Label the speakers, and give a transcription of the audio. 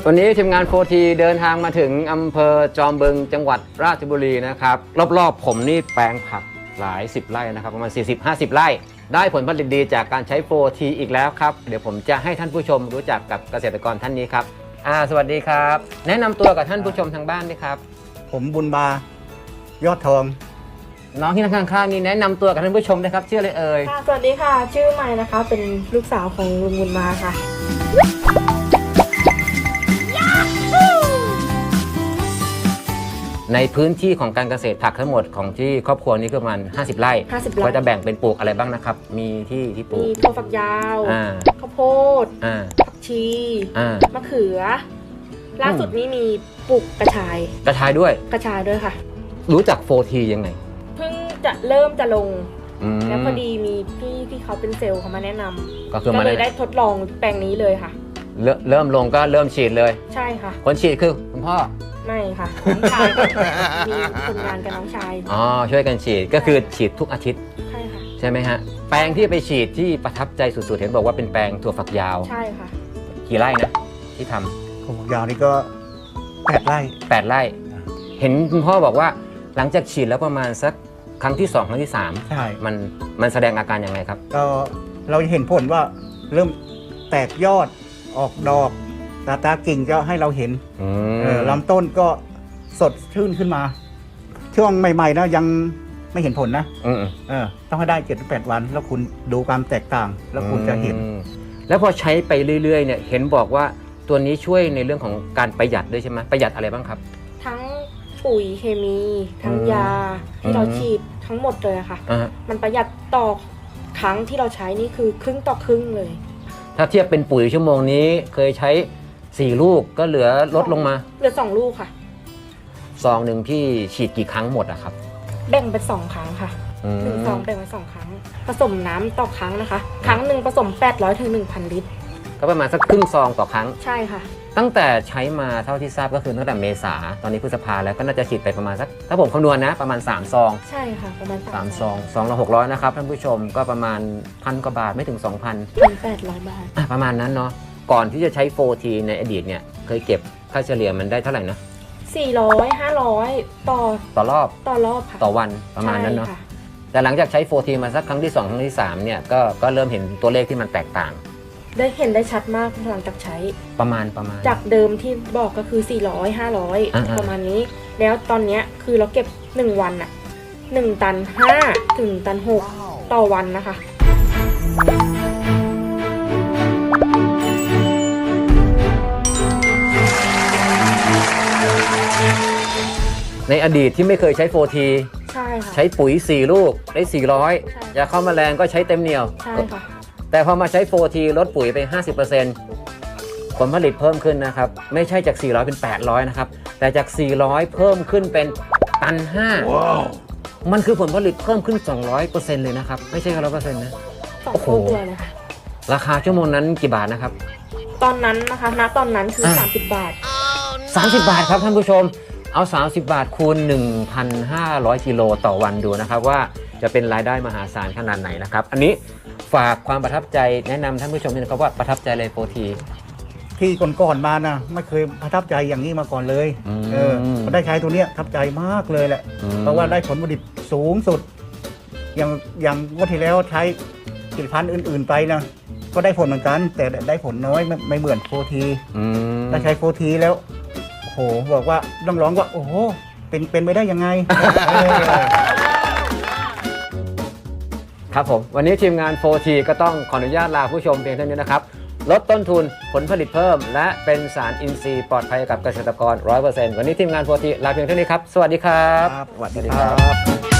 Speaker 1: วันนี้ทีมงานโฟทีเดินทางมาถึงอำเภอจอมบึงจังหวัดราชบุรีนะครับรอบๆผมนี่แปลงผักหลาย10ไร่นะครับประมาณ40-50 ไร่ได้ผลผลิตดีจากการใช้โฟทีอีกแล้วครับเดี๋ยวผมจะให้ท่านผู้ชมรู้จักกับเกษตรกรท่านนี้ครับสวัสดีครับแนะนำตัวกับท่านผู้ชมทางบ้านด้วยครับ
Speaker 2: ผมบุญบายอดทอง
Speaker 1: น้องที่นั่งข้างๆนี่แนะนำตัวกับท่านผู้ชมนะครับชื่ออะไรเอ่ย
Speaker 3: สวัสดีค่ะชื่อใหม่นะคะเป็นลูกสาวของลุงบุญมาค่ะ
Speaker 1: ในพื้นที่ของการเกษตรผักทั้งหมดของที่ครอบครัวนี้ก็ประมาณ50 ไร่ก็จะแบ่งเป็นปลูกอะไรบ้างนะครับมีที่ปลูก
Speaker 3: มีถั่วฝักยาวข้าวโพดผักชีมะเขือล่าสุดนี้มีปลูกกระชาย
Speaker 1: ด้วย
Speaker 3: ค่ะ
Speaker 1: รู้จักโฟทียังไง
Speaker 3: เพิ่งจะเริ่มจะลงแล้วพอดีมีพี่ที่เขาเป็นเซลล์เขามาแนะนำก็เลยได้ทดลองแปลงนี้เลยค่ะ
Speaker 1: เริ่มลงก็เริ่มฉีดเลย
Speaker 3: ใช่ค่ะ
Speaker 1: คนฉีดคือคุณพ่อ
Speaker 3: ไม่ค่ะน้องชายมีคนงานกับน้องชาย
Speaker 1: ช่วยกันฉีดก็คือฉีดทุกอาทิตย์
Speaker 3: ใช่ค่ะ
Speaker 1: ใช่ไหมฮะแปลงที่ไปฉีดที่ประทับใจสุดๆเห็นบอกว่าเป็นแปลงถั่วฝักยาว
Speaker 3: ใช่ค่ะ
Speaker 1: กี่ไร่นะที่ทำ
Speaker 2: ถั่วฝักยาวนี่ก็8 ไร่
Speaker 1: เห็นคุณพ่อบอกว่าหลังจากฉีดแล้วประมาณสักครั้งที่2ครั้งที่3
Speaker 2: ใช่
Speaker 1: มันแสดงอาการยังไงครับ
Speaker 2: ก็เราเห็นผลว่าเริ่มแตกยอดออกดอกตากิ่งก็ให้เราเห็นลำต้นก็สดชื่นขึ้นมาช่วงใหม่ๆนะยังไม่เห็นผลนะต้องให้ได้7-8 วันแล้วคุณดูความแตกต่างแล้วคุณจะเห็น
Speaker 1: แล้วพอใช้ไปเรื่อยๆเนี่ยเห็นบอกว่าตัวนี้ช่วยในเรื่องของการประหยัดด้วยใช่ไหมประหยัดอะไรบ้างครับ
Speaker 3: ทั้งปุ๋ยเคมีทั้งยาที่เราฉีดทั้งหมดเลยค่ะมันประหยัดต่อครั้งที่เราใช้นี่คือครึ่งต่อครึ่งเลย
Speaker 1: ถ้าเทียบเป็นปุ๋ยชั่วโมงนี้เคยใช้4 ลูกก็เหลือลดลงมา
Speaker 3: เหลือ2 ลูกค่ะ
Speaker 1: ซองหนึ่งพี่ฉีดกี่ครั้งหมดอะครับ
Speaker 3: แบ่งเป็น2 ครั้งค่ะ1 ซองแบ่งเป็น2 ครั้งผสมน้ำต่อครั้งนะคะครั้งหนึ่งผสม800 ถึง 1,000 ลิตร
Speaker 1: ก็ประมาณสักครึ่งซองต่อครั้ง
Speaker 3: ใช่ค่ะ
Speaker 1: ตั้งแต่ใช้มาเท่าที่ทราบก็คือตั้งแต่เมษาตอนนี้พฤษภาแล้วก็น่าจะฉีดไปประมาณสักถ้าผมคำนวณนะประมาณ3 ซอง
Speaker 3: ใช่ค่ะประมาณ
Speaker 1: 3 ซองซองละ600นะครับท่านผู้ชมก็ประมาณ1,000 กว่าบาทไม่ถึง
Speaker 3: 2,800 บาท
Speaker 1: ประมาณนั้นเนาะก่อนที่จะใช้โฟทีในอดีตเนี่ยเคยเก็บค่าเฉลี่ยมันได้เท่าไหร่นะ
Speaker 3: 400-500ต่อรอบค่ะ
Speaker 1: ต่อวันประมาณนั้นเนาะแต่หลังจากใช้โฟทีมาสักครั้งที่2ครั้งที่3เนี่ยก็เริ่มเห็นตัวเลขที่มันแตกต่าง
Speaker 3: ได้เห็นได้ชัดมากหลังจากใช้
Speaker 1: ประมาณ
Speaker 3: จากเดิมที่บอกก็คือ400-500ประมาณนี้แล้วตอนนี้คือเราเก็บ1 วันอะ1 ตัน 5 ถึงตัน 6ต่อวันนะคะ
Speaker 1: ในอดีตที่ไม่เคยใช้โฟที
Speaker 3: ใช่ค่ะ
Speaker 1: ใช้ปุ๋ย4 ลูกได้400ยาฆ่าแมลงก็ใช้เต็มเหนียว
Speaker 3: ใช่ค่ะ
Speaker 1: แต่พอมาใช้โฟทีลดปุ๋ยไป 50% ผลผลิตเพิ่มขึ้นนะครับไม่ใช่จาก400เป็น800นะครับแต่จาก400เพิ่มขึ้นเป็นตัน 5 wow. มันคือผลผลิตเพิ่มขึ้น 200% เลยนะครับไม่ใช่100%นะ
Speaker 3: โอ้โหเลยค่ะ
Speaker 1: ราคาชั่วโมงนั้นกี่บาทนะครับ
Speaker 3: ตอนนั้นนะคะณตอนนั้นคือ30 บาท
Speaker 1: 30 บาทครับท่านผู้ชมเอา30 บาทคูณ 1,500 กิโลต่อวันดูนะครับว่าจะเป็นรายได้มหาศาลขนาดไหนนะครับอันนี้ฝากความประทับใจแนะนำท่านผู้ชมนิดนึงครับว่าประทับใจเลยโฟที
Speaker 2: ที่ก่อนๆมานะไม่เคยประทับใจอย่างนี้มาก่อนเลยได้ใช้ตัวเนี้ยประทับใจมากเลยแหละเพราะว่าได้ผลผลิตสูงสุดอย่างงวดที่แล้วใช้ผลิตภัณฑ์อื่นๆไปนะก็ได้ผลเหมือนกันแต่ได้ผลน้อยไม่เหมือนโฟทีถ้าใช้โฟทีแล้วโอ้โหบอกว่าต้องร้องว่าโอ้โหเป็นไปได้ยังไง
Speaker 1: ครับผมวันนี้ทีมงาน 4T ก็ต้องขออนุญาตลาผู้ชมเพียงเท่านี้นะครับลดต้นทุนผลผลิตเพิ่มและเป็นสารอินทรีย์ปลอดภัยกับเกษตรกร 100% วันนี้ทีมงาน 4T ลาเพียงเท่านี้ครับสวัสดีครับ
Speaker 2: สวัสดีครับ